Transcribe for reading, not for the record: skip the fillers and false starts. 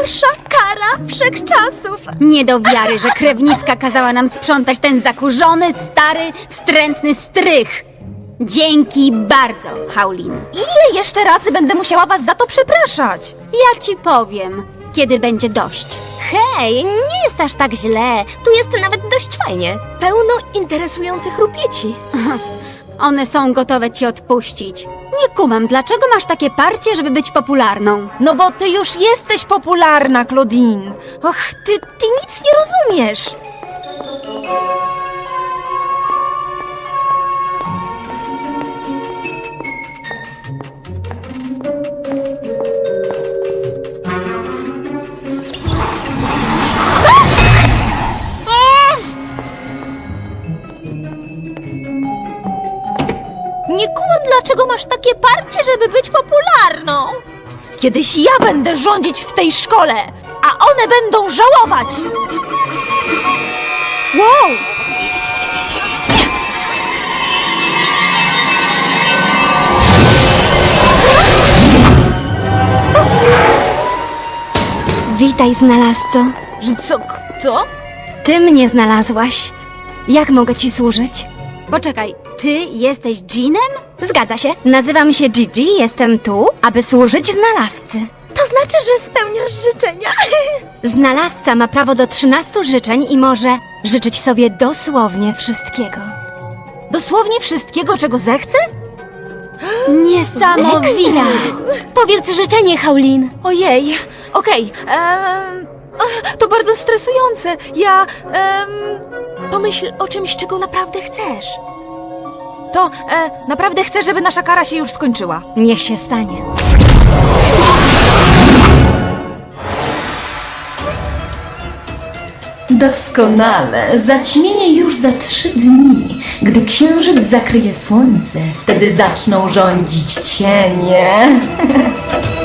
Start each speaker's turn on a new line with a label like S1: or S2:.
S1: Najgorsza kara wszechczasów.
S2: Nie do wiary, że krewnicka kazała nam sprzątać ten zakurzony, stary, wstrętny strych. Dzięki bardzo, Haulin.
S1: Ile jeszcze razy będę musiała was za to przepraszać?
S2: Ja ci powiem, kiedy będzie dość.
S3: Hej, nie jest aż tak źle. Tu jest nawet dość fajnie.
S1: Pełno interesujących rupieci.
S2: One są gotowe ci odpuścić. Nie kumam, dlaczego masz takie parcie, żeby być popularną?
S1: No bo ty już jesteś popularna, Claudine. Och, ty nic nie rozumiesz. Nie kumam, dlaczego masz takie parcie, żeby być popularną. Kiedyś ja będę rządzić w tej szkole, a one będą żałować. Wow!
S2: Witaj, znalazco.
S1: Że co, kto?
S2: Ty mnie znalazłaś. Jak mogę ci służyć? Poczekaj, ty jesteś Jeanem? Zgadza się. Nazywam się Gigi, jestem tu, aby służyć znalazcy.
S1: To znaczy, że spełniasz życzenia.
S2: Znalazca ma prawo do 13 życzeń i może życzyć sobie dosłownie wszystkiego.
S1: Dosłownie wszystkiego, czego zechce?
S2: Niesamowite!
S3: Powiedz życzenie, Haulin.
S1: Ojej, okej. To bardzo stresujące. Pomyśl o czymś, czego naprawdę chcesz. To naprawdę chcę, żeby nasza kara się już skończyła.
S2: Niech się stanie.
S4: Doskonale. Zaćmienie już za 3 dni. Gdy księżyc zakryje słońce, wtedy zaczną rządzić cienie.